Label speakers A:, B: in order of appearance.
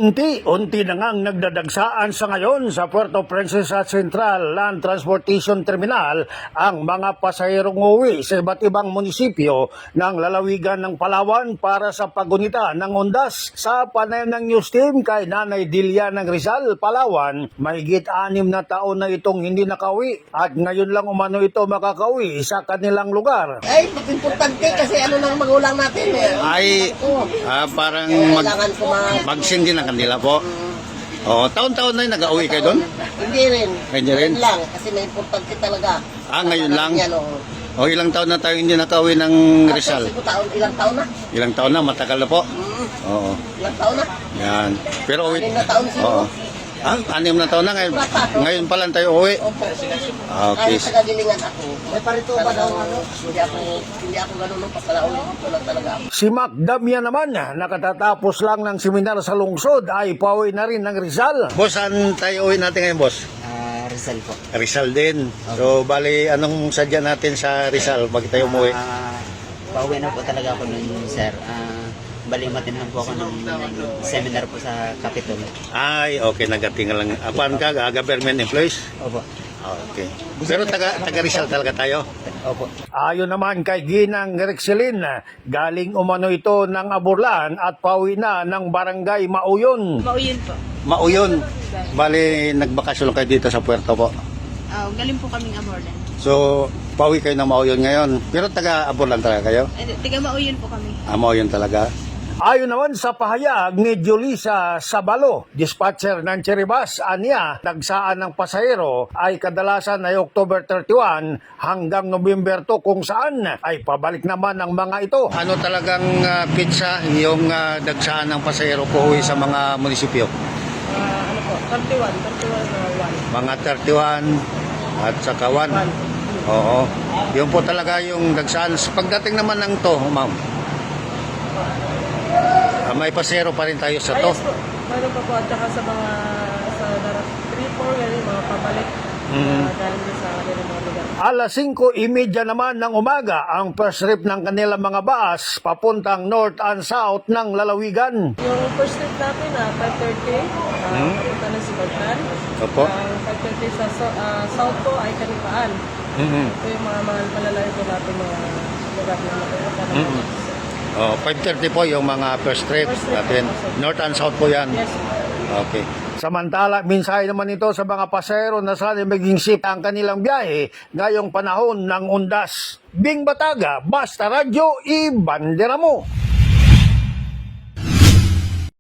A: Unti-unti na ngang nagdadagsaan sa ngayon sa Puerto Princesa Central Land Transportation Terminal ang mga pasahirong uuwi sa iba't ibang munisipyo ng lalawigan ng Palawan para sa pagunita ng undas. Sa panayam ng news team kay Nanay Dilia ng Rizal, Palawan, mahigit 6 na taon na itong hindi nakauwi at ngayon lang umano ito makakauwi sa kanilang lugar.
B: Ay, importante kasi ano ng magulang natin eh.
C: Ay, parang magsindi ng kanila po. Oo, taon-taon na yung nag-auwi kayo doon?
B: Hindi rin.
C: Hindi rin?
B: Ngayon lang, kasi may importante talaga.
C: Ngayon lang?
B: Yan,
C: O, ilang taon na tayo hindi nakauwi ng Rizal?
B: Ilang taon na?
C: Ilang taon na, matagal na po. Oo.
B: Ilang taon na?
C: Yan. Pero uwi.
B: 6 na taon siguro.
C: 6 na taon na ngayon. Ngayon pa lang tayo uwi.
B: Opo.
C: Okay.
B: Kahit sa kagilingan ako. May parito ba daw ano? Hindi ako ganun nung papalaunin ko lang talaga ako.
A: Si Mac Damian naman, nakatatapos lang ng seminar sa lungsod, ay pauwi na rin ng Rizal.
C: Boss, saan tayo uwi natin ngayon, boss?
D: Rizal po.
C: Rizal din. So, bali, anong sadya natin sa Rizal pag tayo umuwi?
D: Pauwi na po talaga ako nun, sir. Bali, matinahan po ako ng seminar po sa Capitol.
C: Ay, okay, nagatingal lang. Apan ka, government employees?
D: Opo.
C: Okay. Pero taga Rizal talaga tayo?
D: Opo.
A: Ayon naman kay Ginang Rexelin, galing umano ito ng Aburlan at pauwi na ng barangay Mauyon.
E: Mauyon po.
C: Mauyon. Bali, nagbakasyon lang kayo dito sa Puerto po.
E: Galing po kaming Aborlan.
C: So, pauwi kayo ng Mauyon ngayon. Pero taga Aburlan talaga kayo?
E: Tiga Mauyon po kami.
C: Mauyon talaga?
A: Ayon naman sa pahayag ni Julissa Sabalo, dispatcher ng Cheribas, anya, nagsaan ng pasahero ay kadalasan ay October 31 hanggang November 2 kung saan ay pabalik naman ang mga ito.
C: Ano talagang pizza yung dagsaan ng pasahero po uwi sa mga munisipyo?
E: Ano po? 31
C: Mga 31 at saka 1. Oo. Yun po talaga yung dagsaan. Pagdating naman ng to, ma'am, may pasero pa rin tayo sa to.
E: Ayos po. Meron pa po at saka sa mga sa 3-4 ganyan, mga pabalik. Galing din sa kanilang mga lugar.
A: Alas 5:30 naman ng umaga ang first trip ng kanilang mga bus papuntang north and south ng lalawigan.
E: Yung first trip natin 5:30, papunta na si Bagtan.
C: Opo.
E: 5:30 sa south po ay Kanipaan. Ito yung mga malalayo po natin mga lugar na mapunta na.
C: 5:30 po yung mga first trip natin. North and south po yan.
E: Yes.
C: Okay.
A: Samantala, mensahe naman ito sa mga pasahero na sana maging safe ang kanilang biyahe ngayong panahon ng undas. Bing Bataga, Basta Radyo, ibandera mo!